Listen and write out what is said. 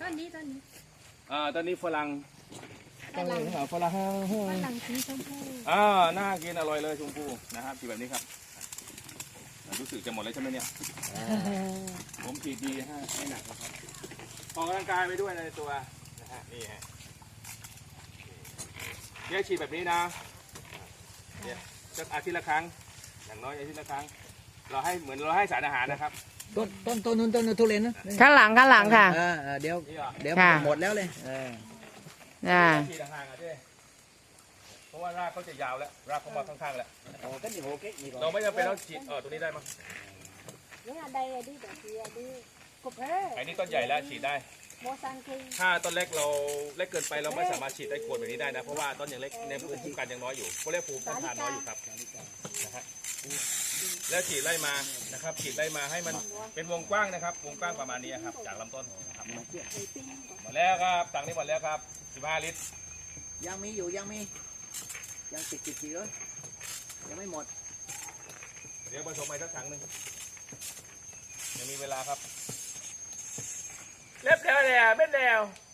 ต้นนี้ต้นนี้ฝรั่งฝรั่งสีชมพูน่ากินอร่อยเลยชมพูนะครับฉีดแบบนี้ครับรู้สึกจะหมดแล้วใช่ไหมเนี่ยผมฉีดดีฮะไม่หนักนะครับออกกำลังกายไปด้วยในตัวนะฮะนี่ฮะเนี่ยฉีดแบบนี้นะเนี่ยจะอาทิตย์ละครั้งอย่างน้อยอาทิตย์ละครั้งเราให้เหมือนเราให้สารอาหารนะครับต้นนู้นทุเรียนนะข้างหลังค่ะเดี๋ยวหมดแล้วเลยฉีดห่างๆอ่ะเจ้เพราะว่ารากเขาจะยาวแล้วรากเขามาข้างๆแล้วเราไม่จำเป็นต้องฉีดตัวนี้ได้มั้งไอ้นี่ต้นใหญ่แล้วฉีดได้ถ้าต้นเล็กเราเล็กเกินไปเราไม่สามารถฉีดได้ขวดแบบนี้ได้นะเพราะว่าต้นยังเล็กในภูมิคุ้มกันยังน้อยอยู่เขาเรียกภูมิต้านทานน้อยอยู่ครับนะฮะแล้วฉีดไล่มานะครับฉีดไล่มาให้มันเป็นวงกว้างนะครับวงกว้างประมาณนี้ครับจากลำต้นครับหมดแล้วครับตังนี้หมดแล้วครับ15 ลิตรยังมีติดเลยยังไม่หมดเดี๋ยวผสมไปสักถังหนึ่งยังมีเวลาครับเล็บแล้วเม็ดแล้ว